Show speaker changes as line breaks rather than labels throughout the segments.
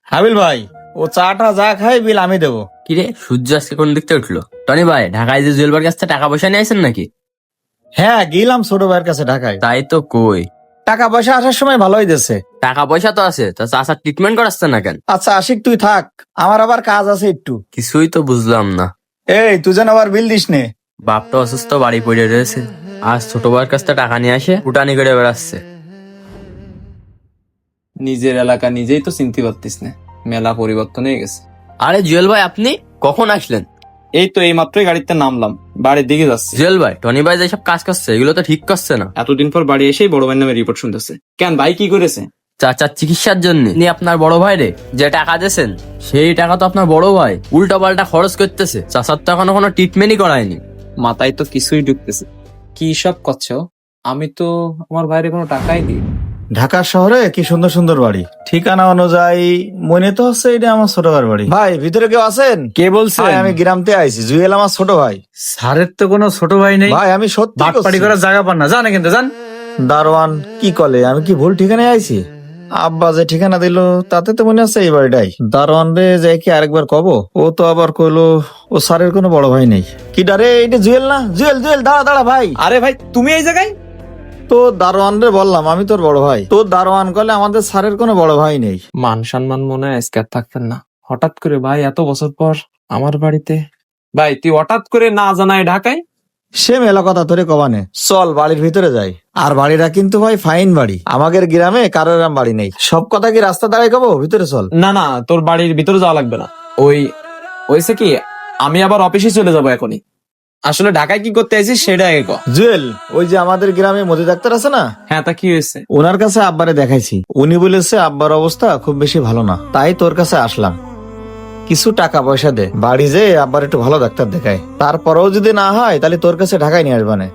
হাবিল ভাই, ও চাটা যা খাই বিল আমি দেবো।
কিরে সূর্য আজকে কোন দিক থেকে উঠলো? টনি ভাই ঢাকায় যে জুয়েল ভাইয়ের কাছ থেকে টাকা পয়সা নিয়ে আসেন নাকি?
হ্যাঁ, গেলাম ছোট ভাইয়ের কাছে ঢাকায়।
তাই তো কই,
টাকা পয়সা আসার সময় ভালোই দিছে।
টাকা পয়সা তো আছে, তা চাচার ট্রিটমেন্ট করাচ্ছে না কেন?
আচ্ছা আশিক, তুই থাক, আমার আবার কাজ আছে একটু।
কিছুই তো বুঝলাম না।
এই তুই যেন আবার বিল দিস নে।
বাপটা অসুস্থ, বাড়ি পড়ে রয়েছে। আজ ছোট ভাইয়ের কাছ থেকে টাকা নিয়ে আসে উটানি করে বেড়াচ্ছে।
নিজের এলাকা নিজেই তো চিনতে পারতিস না, মেলা পরিবর্তন হয়ে গেছে।
আরে জুয়েল ভাই, আপনি কখন আসলেন?
এই তো এই মাত্রই গাড়িতে নামলাম, বাড়ির দিকে যাচ্ছি।
জুয়েল ভাই, টনি ভাই যেসব কাজ করছে এগুলো তো ঠিক করছে না।
এতদিন পর বাড়ি এসেই বড় ভাইয়ের নামে রিপোর্ট শুনতেছে। কেন ভাই কি করেছে?
চাচার চিকিৎসার জন্য আপনি আপনার বড় ভাই রে যে টাকা দিয়েছেন, সেই টাকা তো আপনার বড় ভাই উল্টা পাল্টা খরচ করতেছে। চাচার তো এখনো কোনো ট্রিটমেন্টই করায়নি।
মাথায় তো কিছুই ঢুকতেছে। কি সব করছো? আমি তো আমার ভাইয়ের কোনো টাকাই দিই।
ঢাকা শহরে কি সুন্দর সুন্দর বাড়ি, ঠিকানা অনুযায়ী মনে তো হচ্ছে এটা আমার ছোট ভাইয়ের বাড়ি। ভাই ভিতরে কেউ আছেন?
কে বলছেন?
ভাই, আমি গ্রামতে আইছি, জুয়েল আমার ছোট ভাই।
স্যারের তো কোনো ছোট ভাই নেই।
ভাই আমি সত্যি
বাটপাড়ি
করছি।
করার জায়গা পান না, জানে কিন্তু জান।
দারোয়ান কি কলে, আমি কি ভুল ঠিকানায় আইছি? আব্বা যে ঠিকানা দিল তাতে তো মনে আছে এই বাড়িটাই। দারোয়ান রে যাই কি আরেকবার কব, ও তো আবার কইলো ও স্যারের কোনো বড় ভাই নেই। কি ডারে, এটা জুয়েল না? জুয়েল জুয়েল, দাঁড়া দাঁড়া ভাই।
আরে ভাই, তুমি এই জায়গায়?
তো দারোয়ান রে বললাম আমি তোর বড় ভাই, তো দারোয়ান কলে আমাদের স্যারের কোনো বড় ভাই নেই।
মান সম্মান মনে হয় আজকে আর থাকতেন না। হঠাৎ করে ভাই এত বছর পর আমার বাড়িতে। ভাই তুই হঠাৎ করে না জানায় ঢাকায়?
সে মেলা কথা তোরে কবানে, চল বাড়ির ভিতরে যাই। আর বাড়িটা কিন্তু ভাই ফাইন বাড়ি, আমাদের গ্রামে কারোর এরম বাড়ি নেই। সব কথা কি রাস্তা দাঁড়ায় কব, ভিতরে চল।
না না, তোর বাড়ির ভিতরে যাওয়া লাগবে না। ওই ওইসে কি, আমি আবার অফিসে চলে যাবো এখনই। আসলে ঢাকায় কি করতে আইছিস সেটা আগে ক।
জুয়েল, ওই যে আমাদের গ্রামে মোদি ডাক্তার আছে না,
হ্যাঁ, তা কি হয়েছে?
ওনার কাছে আব্বারে দেখাইছি। উনি বলেছে আব্বার অবস্থা খুব বেশি ভালো না, তাই তোর কাছে আসলাম। কিছু টাকা পয়সা দে, বাড়ি যে আব্বার একটু ভালো ডাক্তার দেখায়। তারপরেও যদি না হয় তাহলে তোর কাছে ঢাকায় নিয়ে আসবানে।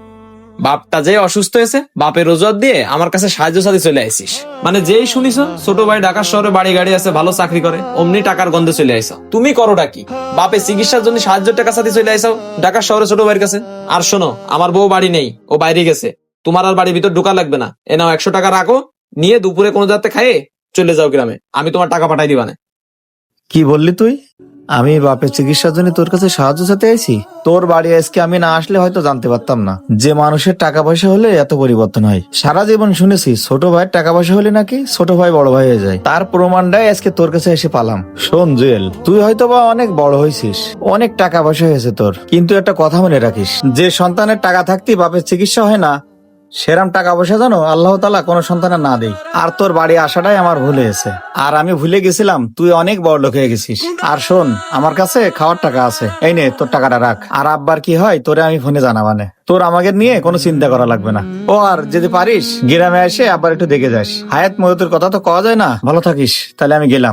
বাপটা যে অসুস্থ হয়েছে, বাপের রোজগার দিয়ে আমার কাছে সাহায্য সাথে চলে আইসিস। মানে যেই শুনিস ছোট ভাই ঢাকা শহরে বাড়ি গাড়ি আছে, ভালো চাকরি করে, অমনি টাকার গন্ধে চলে আইসো। তুমি করোটা কি? বাপে চিকিৎসার জন্য সাহায্যের টাকা সাথে চলে আইসাও ঢাকা শহরে ছোট ভাইয়ের কাছে। আর শোনো, আমার বউ বাড়ি নেই, ও বাইরে গেছে। তোমার আর বাড়ির ভিতর ঢোকা লাগবে না। এ নাও 100 টাকা রাখো, নিয়ে দুপুরে কোনো যাতে খাইয়ে চলে যাও গ্রামে। আমি তোমার টাকা পাঠাই দিবানে।
কি বললি তুই? আমি বাপের চিকিৎসার জন্য তোর কাছে সাহায্য চাইতে আইছি? তোর বাড়ি আজকে আমি না আসলে হয়তো জানতে পারতাম না যে মানুষের টাকা পয়সা হলে এত পরিবর্তন হয়। সারা জীবন শুনেছি ছোট ভাইয়ের টাকা পয়সা হলে নাকি ছোট ভাই বড় ভাই হয়ে যায়, তার প্রমাণটাই আজকে তোর কাছে এসে পালাম। শোন জুয়েল, তুই হয়তো বা অনেক বড় হয়েছিস, অনেক টাকা পয়সা হয়েছে তোর, কিন্তু একটা কথা মনে রাখিস, যে সন্তানের টাকা থাকতেই বাপের চিকিৎসা হয় না, সেরাম টাকা পয়সা জানো আল্লাহ তাআলা কোনো সন্তানের না দেই। আর তোর বাড়ি আসাটাই আমার ভুল হয়েছে, আর আমি ভুলে গেছিলাম তুই অনেক বড় লোক হয়ে গেছিস। আর শোন, আমার কাছে খাওয়ার টাকা আছে, এই নে তোর টাকাটা রাখ। আর আব্বার কি হয় তোরে আমি ফোনে জানাবানে, তোর আমাকে নিয়ে কোনো চিন্তা করা লাগবে না। ও আর যদি পারিস গ্রামে এসে আব্বার একটু দেখে যাস। হায়াত ময়তের কথা তো কওয়া যায় না। ভালো থাকিস, তাহলে আমি গেলাম।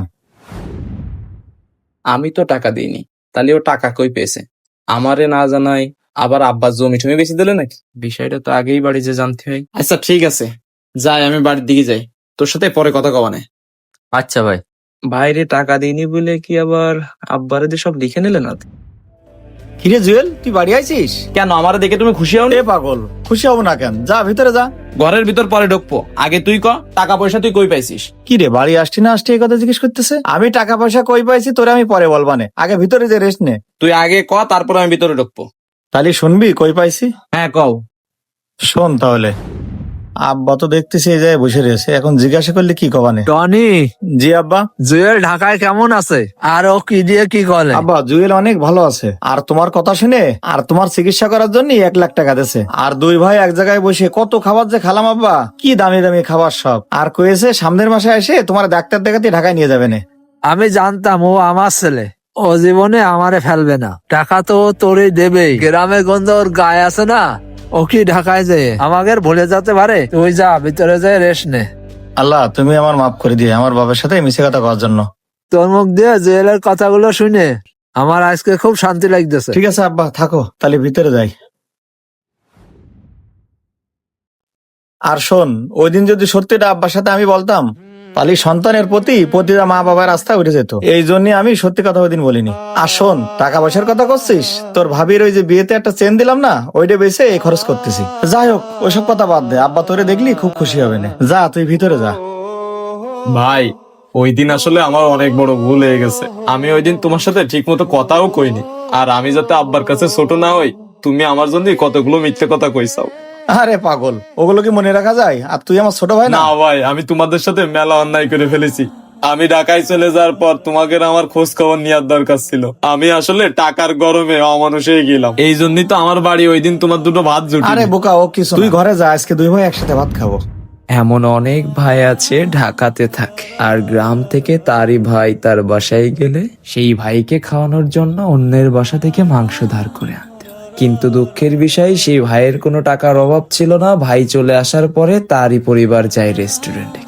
আমি তো টাকা দিইনি, তাহলে ও টাকা কই পেয়েছে? আমারে না জানাই আবার আব্বার জমি টমি বেশি দিলে নাকি? বিষয়টা তো আগেই বাড়ি যে জানতে হয়। আচ্ছা ঠিক আছে, যাই, আমি বাড়ির দিকে যাই, তোর সাথে পরে কথা কবানে।
আচ্ছা ভাই।
বাইরে টাকা দিইনি বলে কি আবার আব্বারে দিয়ে সব লিখে নিলে না?
কিরে জুয়েল, তুই বাড়ি আইছিস?
কেন, আমারে দেখে তুমি খুশি হও?
এ পাগল, খুশি হব না কেন? যা ভিতরে যা।
ঘরের ভিতর পরে ঢুকবো, আগে তুই ক টাকা পয়সা তুই কই পাইছিস?
কি রে, বাড়ি আসছি না আসছি এই কথা জিজ্ঞেস করতেছে? আমি টাকা পয়সা কই পাইছি তোরে আমি পরে বলবানে, আগে ভিতরে যে রেস্ট নে।
তুই আগে ক, তারপর আমি ভিতরে ঢুকবো।
তাহলে শুনবি কই পাইছি?
হ্যাঁ কও।
শোন তাহলে, আব্বা তো দেখতেছি এই জায়গায় বসে রয়েছে, এখন জিজ্ঞাসা করলে কি কবানে?
টনি,
জি আব্বা।
জুয়েল ঢাকায় কেমন আছে? আর ও কি দিয়ে কি করে?
আব্বা জুয়েল অনেক ভালো আছে, আর তোমার কথা শুনে আর তোমার চিকিৎসা করার জন্য 1 লাখ টাকা দিয়েছে। আর দুই ভাই এক জায়গায় বসে কত খাবার যে খালাম আব্বা, কি দামি দামি খাবার সব। আর কয়েছে সামনের মাসে এসে তোমার ডাক্তার দেখাতে ঢাকায় নিয়ে যাবে না।
আমি জানতাম ও আমার ছেলে, ও জীবনে আমারে ফেলবে না। টাকা তো ও তোরই দেবেই, গ্রামে গন্ধ ওর গায়ে আছে না। ও কি ঢাকায় যে আমাদের ভুলে যেতে পারে? তুই যা ভিতরে যায় রেস্ট নে।
আল্লাহ তুমি আমার মাফ করে দিয়ে আমার বাবার সাথে মিশে কথা করার জন্য।
তোর মুখ দিয়ে জুয়েলের কথাগুলো শুনে আমার আজকে খুব শান্তি লাগতেছে।
ঠিক আছে আব্বা, থাকো তাহলে ভিতরে যাই। আর শোন, ওই দিন যদি সত্যিটা আব্বার সাথে আমি বলতাম, তাহলে সন্তানের প্রতি প্রতিটা মা বাবার আস্থা উঠে যেত। এই জন্য আমি সত্যি কথা ওই দিন বলিনি। আর শোন, টাকা পয়সার কথা করছিস, তোর ভাবির ওই যে বিয়েতে একটা চেন দিলাম না, ওইটা বেচে এই খরচ করতেছি। যাই হোক, ওইসব কথা বাদ দে, আব্বা তোরে দেখলি খুব খুশি হবে না। যা তুই ভিতরে যা।
ভাই ওই দিন আসলে আমার অনেক বড় ভুল হয়ে গেছে। আমি ওই দিন তোমার সাথে ঠিক মতো কথাও কইনি। আর আমি যাতে আব্বার কাছে ছোট না হই, তুমি আমার জন্য কতগুলো মিথ্যে কথা কইছাও।
আরে পাগল, ওগুলো কি মনে রাখা যায়? আর তুই আমার ছোট ভাই না?
না ভাই, আমি তোমাদের সাথে মেলা অন্যায় করে ফেলেছি। আমি ঢাকায় চলে যাওয়ার পর তোমাকে আমার খোঁজ খবর নেওয়ার দরকার ছিল। আমি আসলে টাকার গরমে অমানুষ হয়ে গেলাম। এই জন্যই তো আমার বাড়ি ওই দিন তোমার দুটো ভাত জুটি।
আরে বোকা, ও কিছু না। তুই ঘরে যা, আজকে দুই ভাই একসাথে ভাত খাবো।
এমন অনেক ভাই আছে ঢাকাতে থাকে, আর গ্রাম থেকে তারই ভাই তার বাসায় গেলে সেই ভাইকে খাওয়ানোর জন্য অন্যের বাসা থেকে মাংস ধার করে আনতে হয়। কিন্তু দুঃখের বিষয়, সেই ভাইয়ের কোনো টাকার অভাব ছিল না। ভাই চলে আসার পরে তারই পরিবার যায় রেস্টুরেন্টে।